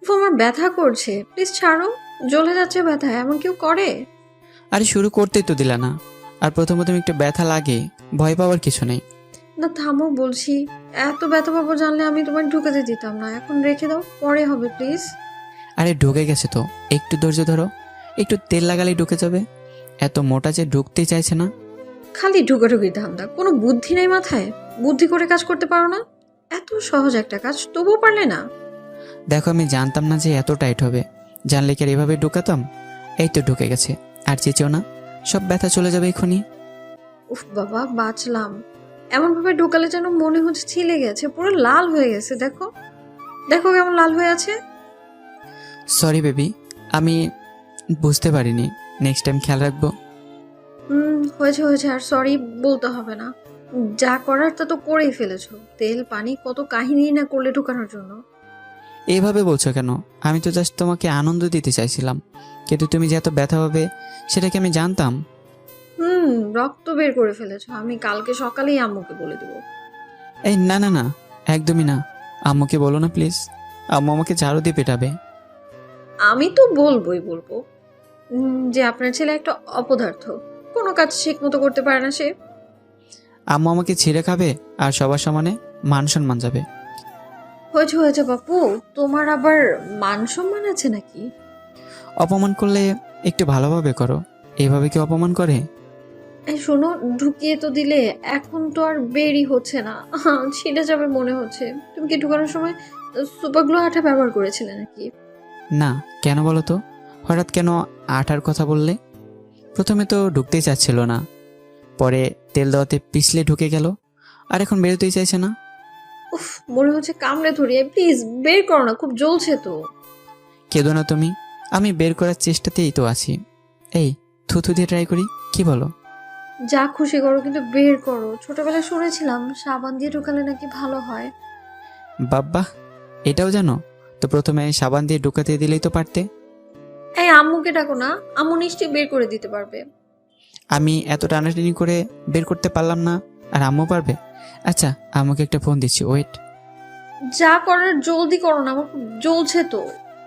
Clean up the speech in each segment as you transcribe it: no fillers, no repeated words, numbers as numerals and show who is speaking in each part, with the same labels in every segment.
Speaker 1: আমার ব্যথা করছে, প্লিজ ছাড়ো। জ্বলে যাচ্ছে ব্যথা, এমন কেউ করে?
Speaker 2: আরে শুরু করতেই তো দিলা না। আর প্রথম প্রথম একটু ব্যথা লাগে, ভয় পাওয়ার কিছু নেই।
Speaker 1: না থামো বলছি। এত ব্যথা পাবো জানলে আমি তোমায় ঢুকাতে দিতাম না। এখন রেখে দাও, পরে হবে প্লিজ।
Speaker 2: আরে ঢুকে গেছে তো, একটু ধৈর্য ধরো। একটু তেল লাগালেই ঢুকে যাবে। এত মোটা যে ঢুকতেই চাইছে না।
Speaker 1: খালি ঢুকাঢুকির ধান্দা, কোনো বুদ্ধি নেই মাথায়? বুদ্ধি করে কাজ করতে পারো না? এত সহজ একটা কাজ তবুও পারলে না?
Speaker 2: দেখো আমি জানতাম না যে এত টাইট হবে। জানলে কি আর এভাবে ঢুকাতাম? এই তো ঢুকে গেছে। আর চেঁচেও না, সব ব্যথা চলে যাবে এক্ষুনি।
Speaker 1: উফ বাবা, বাঁচলাম। এমন ভাবে ঢোকালে যেন মনে হচ্ছে ছিলে গেছে, পুরো লাল হয়ে গেছে। দেখো দেখো কেমন লাল হয়ে আছে।
Speaker 2: সরি বেবি, আমি বুঝতে পারিনি। নেক্সট টাইম খেয়াল রাখবো।
Speaker 1: হয়েছে হয়েছে, আর সরি বলতে হবে না। যা করার তা তো করেই ফেলেছো। তেল পানি কত কাহিনী না করলে ঢুকানোর জন্য।
Speaker 2: এইভাবে বলছো কেন? আমি তো জাস্ট তোমাকে আনন্দ দিতে চাইছিলাম। কিন্তু তুমি যে এত ব্যথা হবে সেটা কি আমি জানতাম?
Speaker 1: হুম রক্ত বের করে ফেলেছো। আমি কালকে সকালেই আম্মুকে বলে দেবো।
Speaker 2: এই না না না, একদমই না। আম্মুকে বলো না প্লিজ। আম্মু আমাকে ঝাড়ু দিয়ে পেটাবে।
Speaker 1: আমি তো বলবোই বলবো যে আপনার ছেলে একটা অপদার্থ, কোনো কাজ ঠিক মতো করতে পারে না সে।
Speaker 2: আম্মু আমাকে ছিঁড়ে খাবে, আর সবার সমানে মান সম্মান যাবে।
Speaker 1: হয়েছে হয়েছে বাপু, তোমার আবার মান সম্মান আছে নাকি?
Speaker 2: অপমান করলে একটু ভালোভাবে করো। এইভাবে কি অপমান করে?
Speaker 1: এই শোনো, ঢুকিয়ে তো দিলে, এখন তো আর বেরই হচ্ছে না। ছিঁড়ে যাবে মনে হচ্ছে। তুমি কি ঢুকানোর সময় সুপার গ্লু আঠা ব্যবহার করেছিলে নাকি?
Speaker 2: না, কেন বলো তো? হঠাৎ কেন আঠার কথা বললে? প্রথমে তো ঢুকতেই চাচ্ছিল না, পরে তেল দেওয়াতে পিছলে ঢুকে গেল, আর এখন বেরোতেই চাইছে না।
Speaker 1: উফ, মনে হচ্ছে কামড়ে ধরিয়ে। প্লিজ বের করো না, খুব জ্বলছে তো।
Speaker 2: কেঁদো না তুমি, আমি বের করার চেষ্টাতেই তো আছি। এই, থুথু দিয়ে ট্রাই করি, কি বলো?
Speaker 1: যা খুশি করো, কিন্তু বের করো। ছোটবেলায় শুনেছিলাম সাবান দিয়ে ঢুকালে নাকি ভালো হয়।
Speaker 2: বাব্বা, এটাও জানো? তো প্রথমে সাবান দিয়ে ঢুকাতে দিলেই তো পারতে।
Speaker 1: এই আম্মুকে ডাকো না, আম্মু নিশ্চয়ই বের করে দিতে পারবে।
Speaker 2: আমি এত টানাটানি করে বের করতে পারলাম না, আর আম্মু পারবে? আচ্ছা, আম্মুকে একটা ফোন দিচ্ছি, ওয়েট।
Speaker 1: যা করার জলদি করো না, আমার খুব জ্বলছে তো।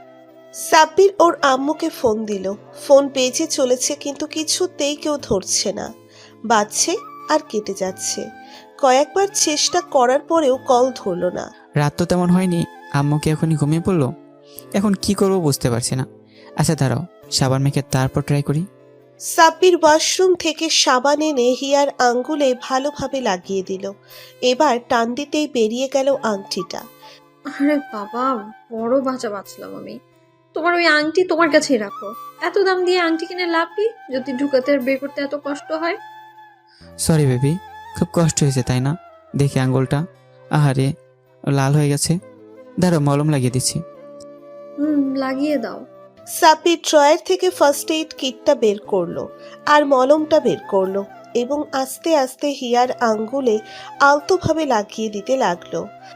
Speaker 3: সাব্বির ওর আম্মুকে ফোন দিল। ফোন পেয়েছে চলেছে, কিন্তু কিছুতেই কেউ ধরছে না। বাজছে আর কেটে যাচ্ছে। কয়েকবার চেষ্টা করার পরেও কল ধরল না।
Speaker 2: রাত তো তেমন হয়নি, আম্মু কি এখনই ঘুমিয়ে পড়লো? এখন কি করবো বুঝতে পারছি না। আচ্ছা দাঁড়াও, সাবান মেখে তারপর ট্রাই করি।
Speaker 3: সাব্বির ওয়াশরুম থেকে সাবান এনে হিয়ার আঙ্গুলে ভালোভাবে লাগিয়ে দিল। এবার টান দিতেই বেরিয়ে গেল আংটিটা।
Speaker 1: আরে বাবা, বড় বাঁচা বাঁচলাম আমি। তোমার ওই আংটি তোমার কাছেই রাখো। এত দাম দিয়ে আংটি কিনে লাভ কি, যদি ঢুকাতে আর বের করতে এত কষ্ট হয়?
Speaker 2: সরি বেবি, খুব কষ্ট হয়েছে তাই না? দেখি আঙ্গুলটা, আহারে, লাল হয়ে গেছে। দাঁড়াও, মলম লাগিয়ে দিচ্ছি।
Speaker 1: লাগিয়ে দাও।
Speaker 3: সাব্বির ড্রয়ার থেকে ফার্স্ট এইড কিটটা বের করলো আর মলমটা বের করলো এবং আস্তে আস্তে হিয়ার আঙ্গুলে আলতোভাবে লাগিয়ে দিতে লাগলো।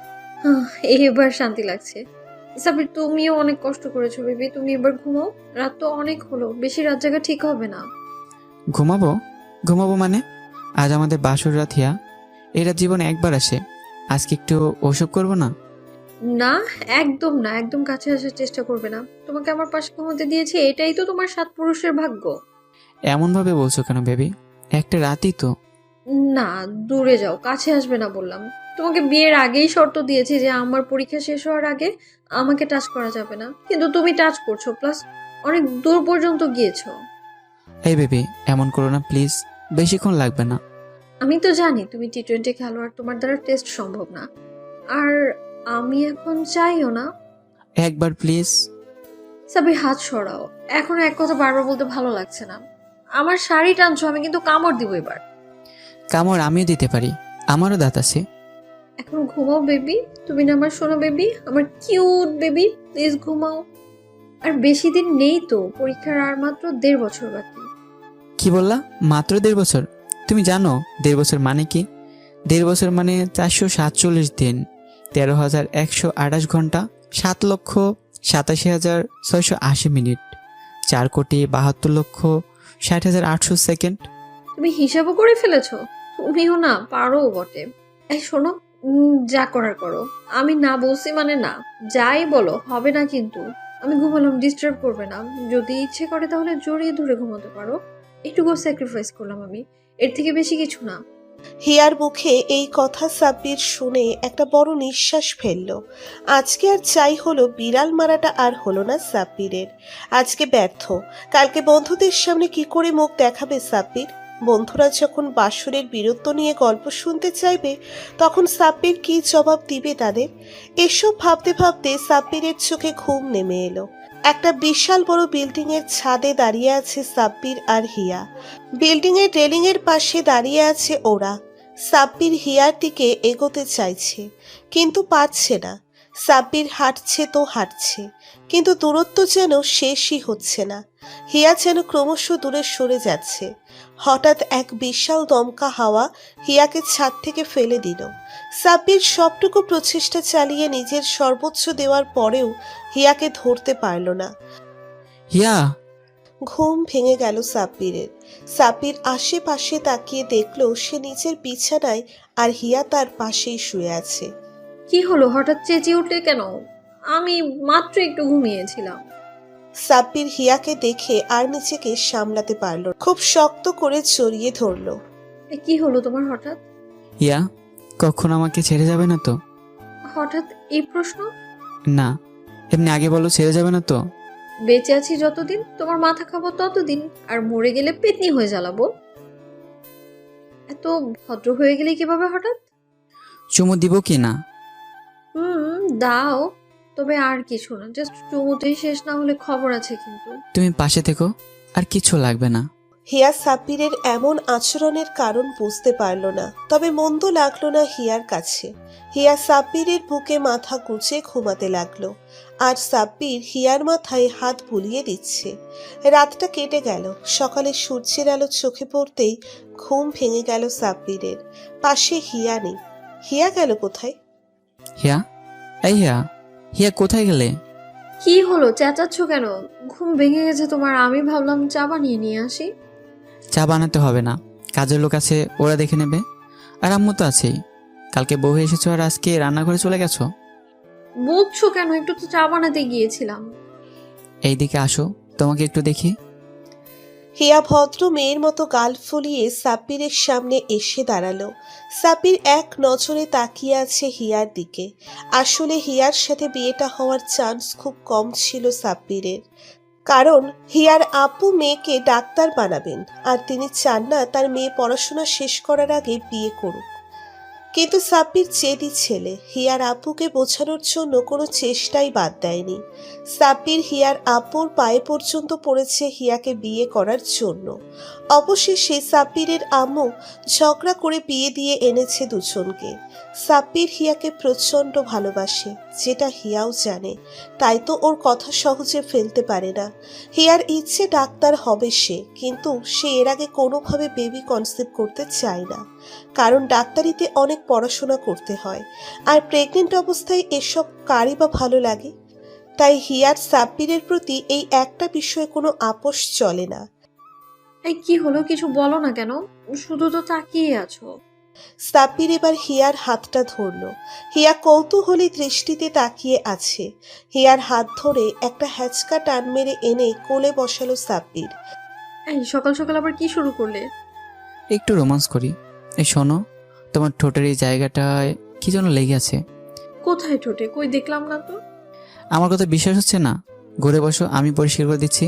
Speaker 1: এবার শান্তি লাগছে। সাবির, তুমিও অনেক কষ্ট করেছো বেবি, তুমি এবার ঘুমাও। রাত তো অনেক হলো, বেশি রাত জাগা ঠিক হবে না।
Speaker 2: ঘুমাবো? ঘুমাবো মানে? আজ আমাদের বাসর রাত হিয়া। এই রাত জীবনে একবার আসে, আজকে একটু ওসব করবো না?
Speaker 1: না, একদম না, একদম কাছে আসার চেষ্টা করবে না। তোমাকে আমার পাশে ঘুমোতে দিয়েছি, এটাই তো তোমার সাত পুরুষের ভাগ্য।
Speaker 2: এমনভাবে বলছো কেন বেবি? একটা রাতই তো।
Speaker 1: না, দূরে যাও, কাছে আসবে না বললাম। তোমাকে বিয়ের আগেই শর্ত দিয়েছি যে আমার পরীক্ষা শেষ হওয়ার আগে আমাকে টাচ করা যাবে না, কিন্তু তুমি টাচ করছো, প্লাস অনেক দূর পর্যন্ত গিয়েছো।
Speaker 2: এই বেবি, এমন করো না প্লিজ, বেশিক্ষণ লাগবে না।
Speaker 1: আমি তো জানি তুমি টি-20 খেলোয়াড়, তোমার দ্বারা টেস্ট সম্ভব না। আর আমি এখন চাইও না।
Speaker 2: একবার প্লিজ।
Speaker 1: সাবির, হাত সরাও। এখন এক কথা বারবার বলতে ভালো লাগছে না। আমার শাড়ি টানছো, আমি কিন্তু কামড় দিব এবার।
Speaker 2: কামড় আমিও দিতে পারি, আমারও দাঁত আছে।
Speaker 1: এখন ঘুমাও বেবি। তুমি না আমার সোনা বেবি, আমার কিউট বেবি, প্লিজ ঘুমাও। আর বেশি দিন নেই তো, পরীক্ষার আর মাত্র 1.5 বছর বাকি।
Speaker 2: কি বললা? মাত্র 1.5 বছর? তুমি জানো 1.5 বছর মানে কি? 1.5 বছর মানে 447 দিন, 13,128 ঘন্টা, 7,87,680 মিনিট, 4,72,60,800 সেকেন্ড।
Speaker 1: তুমি হিসাবও করে ফেলেছো। তুমিও না পারো বটে। এই শোনো, যা করার করো। আমি না বলছি মানে না। যাই বলো হবে না কিন্তু। আমি ঘুমালাম, ডিস্টার্ব করবে না। যদি ইচ্ছে করে তাহলে জড়িয়ে ধরে ঘুমাতে পারো। একটুকু স্যাক্রিফাইস করলাম আমি, এর থেকে বেশি কিছু না।
Speaker 3: হিয়ার মুখে এই কথা সাব্বির শুনে একটা বড় নিঃশ্বাস ফেলল। আজকে আর চাই হলো বিড়াল মারাটা আর হলো না সাব্বিরের। আজকে ব্যর্থ। কালকে বন্ধুদের সামনে কি করে মুখ দেখাবে সাব্বির? বন্ধুরা যখন বাসরের বীরত্ব নিয়ে গল্প শুনতে চাইবে, তখন সাব্বির কি জবাব দিবে তাদের? এসব ভাবতে ভাবতে সাব্বিরের চোখে ঘুম নেমে এলো। একটা বিশাল বড় বিল্ডিং এর ছাদে দাঁড়িয়ে আছে সাব্বির আর হিয়া। বিল্ডিং এর রেলিং এর পাশে দাঁড়িয়ে আছে ওরা। সাব্বির হিয়ার দিকে এগোতে চাইছে, কিন্তু পারছে না। সাব্বির হাঁটছে তো হাঁটছে, কিন্তু দূরত্ব যেন শেষই হচ্ছে না। হিয়া যেন ক্রমশ দূরে সরে যাচ্ছে। হঠাৎ এক বিশাল দমকা হাওয়া হিয়াকে ছাদ থেকে ফেলে দিল। সাব্বির সবটুকু প্রচেষ্টা চালিয়ে নিজের সর্বোচ্চ দেওয়ার পরেও হিয়াকে ধরতে পারল না।
Speaker 2: হিয়া!
Speaker 3: ঘুম ভেঙে গেল সাব্বিরের। সাব্বির আশেপাশে তাকিয়ে দেখল সে নিচের বিছানায়, আর হিয়া তার পাশেই শুয়ে আছে।
Speaker 1: কি হলো, হঠাৎ চেঁচিয়ে উঠলে কেন? আমি মাত্র একটু ঘুমিয়েছিলাম।
Speaker 3: সাব্বির হিয়াকে দেখে আর নিজেকে সামলাতে পারল না। খুব শক্ত করে জড়িয়ে ধরল।
Speaker 1: কি হলো তোমার হঠাৎ?
Speaker 2: হিয়া, কখন আমাকে ছেড়ে যাবে না তো?
Speaker 1: হঠাৎ এই প্রশ্ন?
Speaker 2: না, এমনি আগে বলো, ছেড়ে যাবে না তো?
Speaker 1: বেঁচে আছি যতদিন তোমার মাথা খাবো ততদিন, আর মরে গেলে পেতনি হয়ে জ্বালাবো। এত ভদ্র হয়ে গেলে কিভাবে হঠাৎ?
Speaker 2: চুমু দিব কি না?
Speaker 1: দাও, তবে আর কিছু না, জাস্ট চুমুতেই শেষ না হলে খবর আছে কিন্তু।
Speaker 2: তুমি পাশে থেকো, আর কিছু লাগবে না।
Speaker 3: হিয়া সাব্বিরের এমন আচরণের কারণ বুঝতে পারল না, তবে মন্দ লাগলো না হিয়ার কাছে। হিয়া সাব্বিরের বুকে মাথা গুজে ঘুমাতে লাগলো, আর সাব্বির হিয়ার মাথায় হাত বুলিয়ে দিচ্ছে। রাতটা কেটে গেল। সকালে সূর্যের আলো চোখে পড়তেই ঘুম ভেঙে গেল সাব্বিরের। পাশে হিয়া নেই। হিয়া গেল কোথায়?
Speaker 2: হিয়া, এই হিয়া, হিয়া কোথায় গেলে?
Speaker 1: কি হলো, চেঁচাচ্ছ কেন? ঘুম ভেঙে গেছে তোমার? আমি ভাবলাম চা বানিয়ে নিয়ে আসি।
Speaker 2: চা বানাতে হবে না, কাজের লোক আছে, ওরা দেখে নেবে। আর আম্মু তো আছেই। কালকে বউ হয়ে এসেছো আর আজকে রান্নাঘরে চলে গেছো।
Speaker 1: বলছো কেন? একটু তো চা বানাতে গিয়েছিলাম।
Speaker 2: এইদিকে আসো, তোমাকে একটু দেখি।
Speaker 3: হিয়া ভদ্র মেয়ের মতো গাল ফুলিয়ে সাব্বিরের সামনে এসে দাঁড়ালো। সাব্বির এক নজরে তাকিয়ে আছে হিয়ার দিকে। আসলে হিয়ার সাথে বিয়েটা হওয়ার চান্স খুব কম ছিল সাব্বিরের, কারণ হিয়ার আব্বু মেয়েকে ডাক্তার বানাবেন, আর তিনি চান না তার মেয়ে পড়াশোনা শেষ করার আগে বিয়ে করুক। কিন্তু সাব্বির জেদি ছেলে, হিয়ার আব্বুকে বোঝানোর জন্য কোনো চেষ্টাই বাদ দেয়নি। সাব্বির হিয়ার আব্বুর পায়ে পর্যন্ত পড়েছে হিয়াকে বিয়ে করার জন্য। অবশেষে সাব্বিরের আম্মু ঝগড়া করে বিয়ে দিয়ে এনেছে দুজনকে। সাব্বির হিয়াকে প্রচণ্ড ভালোবাসে, যেটা হিয়াও জানে, তাই তো ওর কথা সহজে ফেলতে পারে না। হিয়ার ইচ্ছে ডাক্তার হবে সে, কিন্তু সে এর আগে কোনোভাবে বেবি কনসিভ করতে চায় না, কারণ ডাক্তারিতে অনেক পড়াশোনা করতে হয়, আর প্রেগনেন্ট অবস্থায় এসব কারই বা ভালো লাগে। তাই হিয়ার সাব্বিরের প্রতি এই একটা বিষয়ে কোনো আপোষ চলে না।
Speaker 1: এই কি হলো, কিছু বলো না কেন? শুধু তো তাকিয়ে আছো।
Speaker 3: সাব্বির এবার হিয়ার হাতটা ধরল। হিয়া কৌতূহলী দৃষ্টিতে তাকিয়ে আছে। হিয়ার হাত ধরে একটা হ্যাচকা টান মেরে এনে কোলে বসালো সাব্বির।
Speaker 1: এই সকাল সকাল আবার কি শুরু করলে?
Speaker 2: একটু রোমান্স করি। এই শোনো, তোমার ঠোঁটের এই জায়গাটায় কি যেন লেগে আছে।
Speaker 1: কোথায় ঠোঁটে? কই দেখলাম না তো।
Speaker 2: আমার কথা বিশ্বাস হচ্ছে না? ঘুরে বসো, আমি পরিষ্কার করে দিচ্ছি।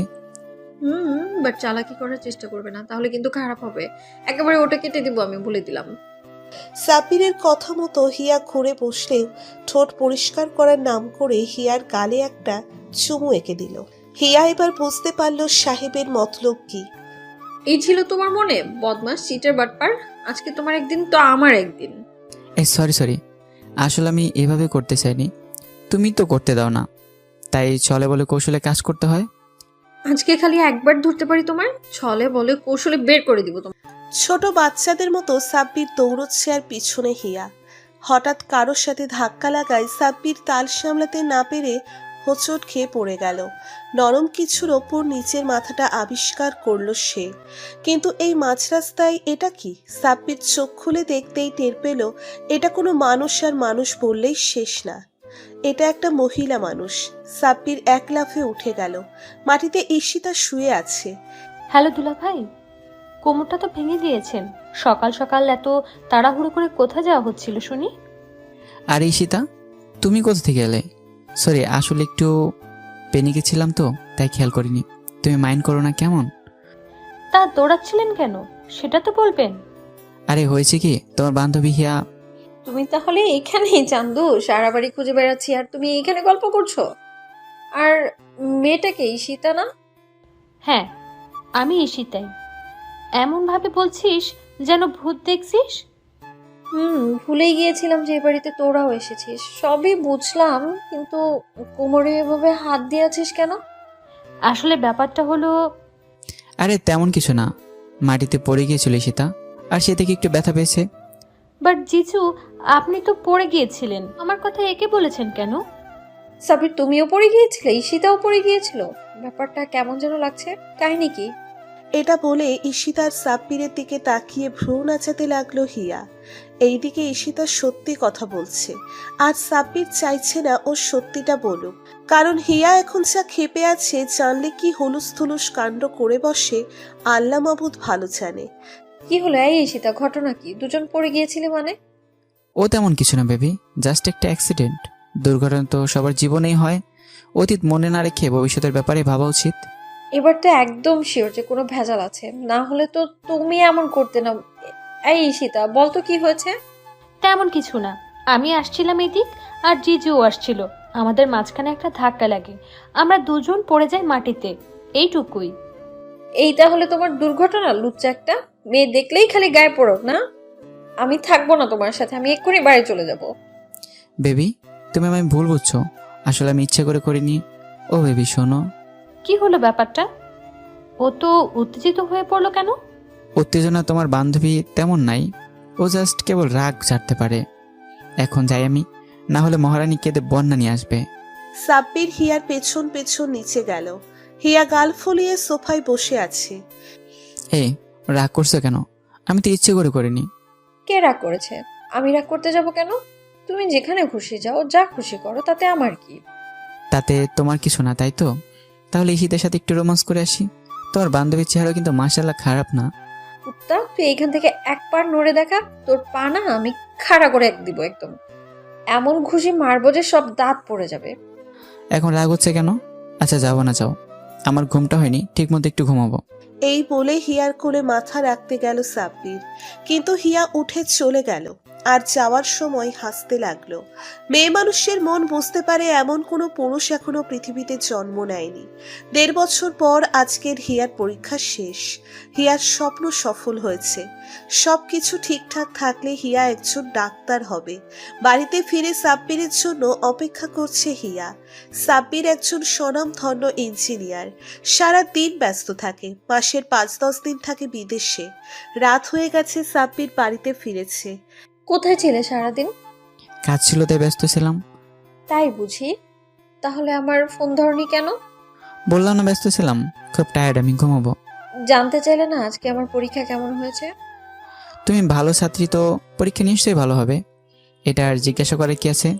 Speaker 1: বাট চালাকি করার চেষ্টা করবে না, তাহলে কিন্তু খারাপ হবে। একেবারে ওটা কেটে দিব, আমি বলে দিলাম।
Speaker 3: সাব্বিরের কথা মতো হিয়া ঘুরে বসলেও ঠোঁট পরিষ্কার করার নাম করে হিয়ার গালে একটা চুমু এঁকে দিল। হিয়া এবার বুঝতে পারল সাহেবের মতলব কি।
Speaker 1: এই ছিল তোমার মনে? বদমাস, চিটার, বাটপার। আজকে তোমার একদিন তো আমার একদিন।
Speaker 2: এই সরি, আসলে আমি এভাবে করতে চাইনি, তুমি তো করতে দাও না, তাই চলে বলে কৌশলে কাজ করতে হয়।
Speaker 1: আজকে খালি একবার ধরতে পারি তোমার, ছলে বলে কৌশলে বের করে দিব তোমার।
Speaker 3: ছোট বাচ্চাদের মতো সাব্বির দৌড়চ্ছে আর পিছনে হিয়া। হঠাৎ কারোর সাথে ধাক্কা লাগায় সাব্বির তাল সামলাতে না পেরে হোঁচট খেয়ে পড়ে গেল। নরম কিছুর ওপর নিচের মাথাটা আবিষ্কার করলো সে। কিন্তু এই মাঝ রাস্তায় এটা কি? সাব্বির চোখ খুলে দেখতেই টের পেল এটা কোনো মানুষ, আর মানুষ বললেই শেষ না, এটা একটা মহিলা মানুষ। সাব্বির এক লাফে উঠে গেল। মাটিতে ঈশিতা শুয়ে আছে।
Speaker 4: হ্যালো দুলা ভাই, কোমরটা তো ভেঙে দিয়েছেন। সকাল সকাল এত তাড়াহুড়ো করে কোথায় যাওয়া হচ্ছিল শুনি?
Speaker 2: আর ঈশিতা, তুমি কোথা থেকে এলে? সরি, আসলে একটু পেনিকে ছিলাম তো, তাই খেয়াল করিনি। তুমি মাইন্ড করো না কেমন?
Speaker 4: তা দৌড়াচ্ছিলেন কেন সেটা তো বলবেন।
Speaker 2: আরে হয়েছে কি, তোমার বান্ধবী হিয়া।
Speaker 1: তুমি তাহলে এখানেই চান্দু? সারা বাড়ি খুঁজে বেড়াচ্ছি আর তুমি এখানে গল্প করছো? আর মেয়েটাকে ঈশিতা না?
Speaker 4: হ্যাঁ, আমি ঈশিতাই। এমন ভাবে বলছিস যেন ভূত দেখছিস।
Speaker 1: ভুলেই গিয়েছিলাম যে এই বাড়িতে তোরাও এসেছিস। সবই বুঝলাম, কিন্তু কোমরে এভাবে হাত দিয়ে আছিস কেন?
Speaker 4: আসলে ব্যাপারটা হলো,
Speaker 2: আরে তেমন কিছু না, মাটিতে পড়ে গিয়েছিল ঈশিতা, আর সে থেকে একটু ব্যথা পেয়েছে।
Speaker 4: বাট জিজু, আপনি তো পড়ে গিয়েছিলেন, আমার কথা একে বলেছেন কেন?
Speaker 1: সাবির, তুমিও পড়ে গিয়েছিলে, ঈশিতাও পড়ে গিয়েছিল। ব্যাপারটা কেমন যেন লাগছে। কাহিনী কি?
Speaker 3: এটা বলে ঈশিতার সাব্বিরের দিকে তাকিয়ে ভ্রু নাচাতে লাগলো হিয়া। এইদিকে ঈশিতা সত্যি কথা বলছে, আর সাব্বির চাইছে না ও সত্যিটা বলুক, কারণ হিয়া এখন যা ক্ষেপে আছে জানলে কি হুলুস থুলুস কাণ্ড করে বসে আল্লাহ মাবুদ ভালো জানে।
Speaker 1: কি হলো এই ঈশিতা, ঘটনা কি? দুজন পড়ে গিয়েছিলে মানে?
Speaker 2: ও তেমন কিছু না বেবি, জাস্ট একটা অ্যাক্সিডেন্ট। দুর্ঘটনা তো সবার জীবনেই হয়। অতীত মনে না রেখে ভবিষ্যতের ব্যাপারে ভাবা উচিত।
Speaker 1: এবার তো একদম শিওর যে কোনো ভেজাল আছে, না হলে তো তুমি এমন করতে না। এই ঈশিতা, বল তো কি হয়েছে?
Speaker 4: তেমন কিছু না, আমি আসছিলাম এদিক আর জিজুও আসছিল। আমাদের মাঝখানে একটা ধাক্কা লাগে, আমরা দুজন পড়ে যাই মাটিতে, এইটুকুই।
Speaker 1: এই তাহলে তোমার দুর্ঘটনা? লুচ্চা একটা মেয়ে দেখলেই খালি গায়ে পড়ো না। আমি থাকবো না তোমার সাথে, আমি এক্ষুনি বাড়ি চলে যাব।
Speaker 2: বেবি, তুমি আমায় ভুল বুঝছো, আসলে আমি ইচ্ছে করে করিনি। ও বেবি শোনো।
Speaker 4: কি হলো ব্যাপারটা? ও তো উত্তেজিত হয়ে পড়লো কেন?
Speaker 2: উত্তেজনা তোমার বান্ধবী তেমন নাই, ও জাস্ট কেবল রাগ ঝাড়তে পারে। এখন যাই আমি, না হলে মহারানী কেঁদে বন্যা নিয়ে আসবে।
Speaker 3: সাব্বির হিয়ার পেছন পেছন নিচে গেল। হিয়া গাল ফুলিয়ে সোফায় বসে আছে।
Speaker 2: এই, রাগ করছো কেন? আমি তো ইচ্ছে করে করিনি।
Speaker 1: কে রাগ করেছে? আমি রাগ করতে যাব কেন? তুমি যেখানে খুশি যাও, যা খুশি করো, তাতে আমার কি?
Speaker 2: তাতে তোমার কিছু না, তাই তো? তাহলে ঈশিতার সাথে একটু রোমান্স করে আসি। তোমার বান্ধবীর চেহারা কিন্তু মাশাআল্লাহ খারাপ না।
Speaker 1: কুত্তা, তুই এইখান থেকে এক পা নড়ে দেখা, তোর পা না আমি খাড়া করে এক দিব একদম। এমন ঘুষি মারবো যে সব দাঁত পড়ে যাবে।
Speaker 2: এখন রাগ হচ্ছে কেন? আচ্ছা যাবো না, যাও। আমার ঘুমটা হয়নি, ঠিক মতো একটু ঘুমাবো।
Speaker 3: এই বলে হিয়ার কোলে মাথা রাখতে গেল সাব্বির, কিন্তু হিয়া উঠে চলে গেল আর যাওয়ার সময় হাসতে লাগলো। মেয়ে মানুষের মন বুঝতে পারে এমন কোনো পুরুষ এখনো পৃথিবীতে জন্ম নেয়নি। 1.5 বছর পর আজকের হিয়ার পরীক্ষা শেষ। হিয়ার স্বপ্ন সফল হয়েছে। সবকিছু ঠিকঠাক থাকলে হিয়া একজন ডাক্তার হবে। বাড়িতে ফিরে সাব্বিরের জন্য অপেক্ষা করছে হিয়া। সাব্বির একজন স্বনামধন্য ইঞ্জিনিয়ার। সারা দিন ব্যস্ত থাকে, মাসের 5-10 দিন থাকে বিদেশে। রাত হয়ে গেছে, সাব্বির বাড়িতে ফিরেছে।
Speaker 1: কোথায় ছিলে সারাদিন?
Speaker 2: কাজ ছিল তাই ব্যস্ত ছিলাম।
Speaker 1: তাই বুঝি? তাহলে আমার ফোন ধরনি কেন?
Speaker 2: বললাম না ব্যস্ত ছিলাম, খুব টায়ার্ড, আমি ঘুমাবো।
Speaker 1: জানতে চাইলে না আজকে আমার পরীক্ষা কেমন হয়েছে?
Speaker 2: তুমি ভালো ছাত্রী তো, পরীক্ষা নিশ্চয়ই ভালো হবে, এটা আর জিজ্ঞাসা করে কি আছে।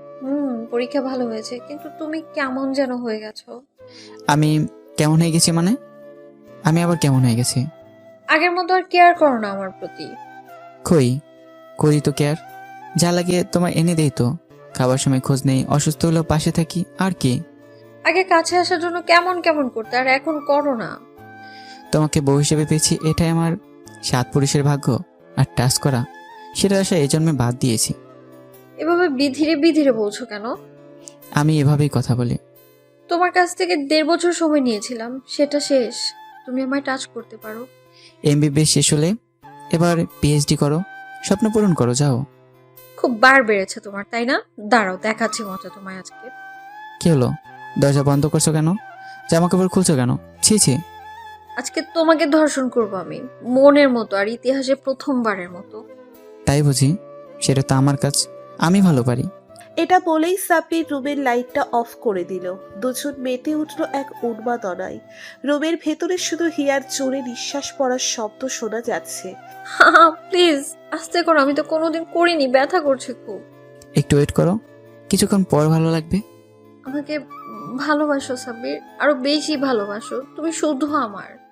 Speaker 1: পরীক্ষা ভালো হয়েছে, কিন্তু তুমি কেমন যেন হয়ে গেছো।
Speaker 2: আমি কেমন হয়ে গেছি মানে? আমি আবার কেমন হয়ে গেছি?
Speaker 1: আগের মতো আর কেয়ার করো না আমার প্রতি।
Speaker 2: কই, করি তো কেয়ার। যা লাগে তোমার এনে দেই তো। খাবার সময় খোঁজ নেই, অসুস্থ হলেও পাশে থাকি, আর কি।
Speaker 1: আগে কাছে আসার জন্য কেমন কেমন করতে, আর এখন করো না।
Speaker 2: তোমাকে বউ হিসেবে পেয়েছি, এটাই আমার 7 পুরুষের ভাগ্য। আর টাচ করা, সেটা আশা এই জন্মে বাদ দিয়েছি।
Speaker 1: এভাবে বিধিরে বিধিরে বলছো কেন?
Speaker 2: আমি এভাবেই কথা বলি।
Speaker 1: তোমার কাছ থেকে 1.5 বছর সময় নিয়েছিলাম, সেটা শেষ। তুমি আমায় টাচ করতে পারো।
Speaker 2: এমবিবিএস শেষ হলে এবার পিএইচডি করো, স্বপ্ন পূরণ করো, যাও।
Speaker 1: খুব বার বেড়েছে তোমার, তাই না? দাঁড়াও, দেখাচ্ছি মজা তোমায় আজকে।
Speaker 2: কি হলো, দরজা বন্ধ করছো কেন? জামা কাপড় খুলছো কেন? ছি ছি।
Speaker 1: আজকে তোমাকে ধর্ষণ করবো আমি, মনের মতো আর ইতিহাসে প্রথমবারের মতো।
Speaker 2: তাই বুঝি? সেটা তো আমার কাজ, আমি ভালো পারি।
Speaker 3: এটা বলেই সাব্বির রুমের লাইটটা অফ করে দিল। দুজন মেতে উঠল এক উন্মাদনায়। রুমের ভেতরে শুধু হিয়ার জোরে নিঃশ্বাস পড়ার শব্দ শোনা যাচ্ছে।
Speaker 1: প্লিজ আস্তে করো, আমি তো কোনোদিন করিনি, ব্যথা করছে খুব।
Speaker 2: একটু ওয়েট করো, কিছুক্ষণ পর ভালো লাগবে।
Speaker 1: আমাকে ভালোবাসো সাব্বির, আরো বেশি ভালোবাসো, তুমি শুধু আমার।